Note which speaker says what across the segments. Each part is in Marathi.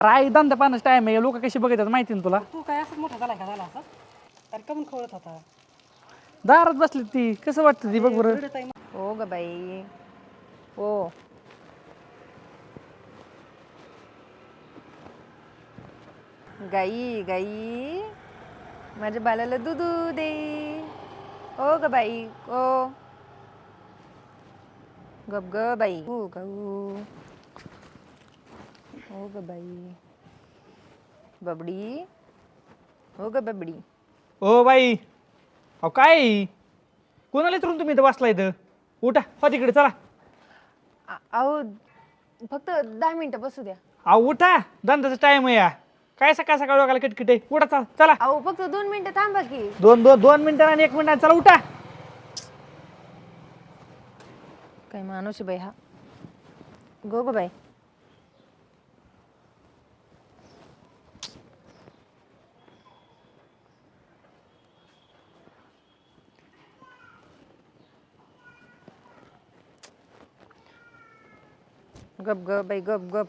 Speaker 1: राय धंदा पाण्याचा टाइम आहे लोक कशी बघतात माहिती ना तुला
Speaker 2: तू काय असंच मोठा झाला का झाला असं अरे कमून खवळत होता
Speaker 1: दारात बसली ती कसं वाटतं ती बघ बरं
Speaker 2: रडत आहे
Speaker 3: हो ग बाई हो गाई गाई माझ्या बालाला दूध दे ओ ग बाई ओ गप ग बाई हो गाऊ हो ग बाई बबडी हो ग बबडी
Speaker 1: ओ बाई अहो काय कोणाला इथून तुम्ही इथं बसला इथं उठा हो तिकडे चला
Speaker 3: अहो फक्त 10 मिनिटं बसू द्या
Speaker 1: अहो उठा धंद्याचा टाइम आहे या काय सकाळ सकाळ लोकांना किटकिट आहे उठा चला चला
Speaker 3: अहो फक्त 2 मिनिटं थांबा की
Speaker 1: दोन मिनिटं आणि 1 मिनिट चला उठा
Speaker 3: काय माणूस आहे बाई हा गो ग बाई गप ग बाई गप गप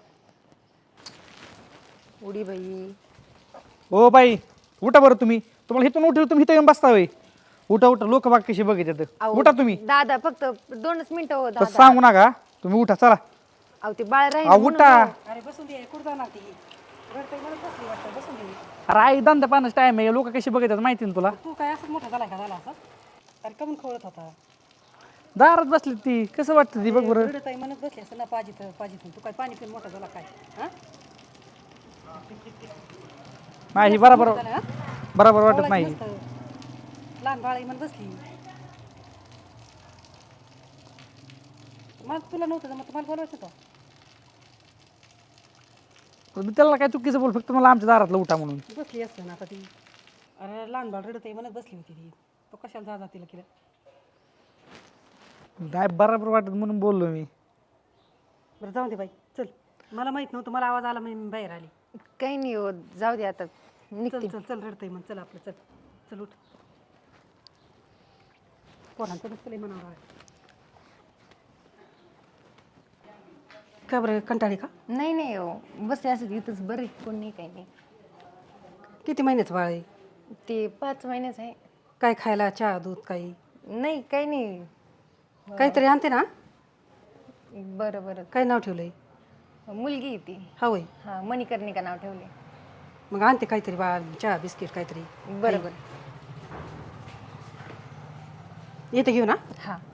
Speaker 3: उडी बाई
Speaker 1: ओ बाई उठा बरं तुम्ही तुम्हाला इथून उठलं तुम्ही इथं येऊन बसता होय उठा उठा लोक बाग कशी बघित
Speaker 3: अहो,
Speaker 1: उठा तुम्ही
Speaker 3: दादा फक्त 2च मिनिटं हो
Speaker 1: तसं
Speaker 3: दादा
Speaker 1: सांगू नका तुम्ही उठा चला
Speaker 3: अहो ते बाळ राहील
Speaker 1: अहो
Speaker 3: म्हणून
Speaker 1: उठा
Speaker 3: हो.
Speaker 2: अरे बसून दे कुठं जाणार ती रडत म्हणत बसली वाटतं बसून दे
Speaker 1: राय धंदा पाण्याचा टाइम आहे लोक कशी बघितात माहिती ना तुला
Speaker 2: तू काय असंच मोठा झाला का झाला असं अरे कमून खवळत होता
Speaker 1: दारात बसली ती कसं वाटतं ती बघ बरं
Speaker 2: रडत आहे म्हणत बसली असं ना पाजीत तू काय पाणी पिऊन मोठा झाला काय हा
Speaker 1: नाही बरोबर
Speaker 2: झालं, हा?
Speaker 1: बरोबर वाटत
Speaker 2: खवळायची
Speaker 1: नाही
Speaker 2: नसतं. लहान बाळ आहे म्हणत बसली मग तुला नव्हतं मग तुम्हाला बोलवायचं होतं
Speaker 1: मी त्याला काय चुकीचं बोल फक्त मला आमच्या दारातलं उठा म्हणून
Speaker 2: बसली असतं ना आता ती अरे लहान बाळ रडत आहे म्हणत बसली होती ती तो कशाला जा तिला केलं
Speaker 1: नाही बरोबर वाटत म्हणून बोललो मी
Speaker 2: बरं जाऊ दे बाई चल मला माहित नव्हतं मला आवाज आला मी बाहेर आली
Speaker 3: काही नाही हो जाऊ दे आता
Speaker 2: चल
Speaker 3: निघते
Speaker 2: चल चल रडतंय मग चल आपलं चल चल उठ पोरांचं नसतं म्हणावं का बरं कंटाळी का
Speaker 3: नाही नाही हो बसते असं इथंच बरे कोण नाही काही नाही
Speaker 2: किती महिन्याचं बाळ आहे
Speaker 3: ते 5 महिन्याच आहे
Speaker 2: काय खायला चहा दूध काही
Speaker 3: नाही काही नाही
Speaker 2: काहीतरी आणते ना
Speaker 3: बरं बरं
Speaker 2: काय नाव ठेवलंय
Speaker 3: मुलगी आहे ती
Speaker 2: हा होय
Speaker 3: हां मणिकर्णिका नाव ठेवले
Speaker 2: मग आणते काहीतरी बाळ चहा बिस्किट काहीतरी
Speaker 3: बरं बरं
Speaker 2: येते घेऊ ना
Speaker 3: हां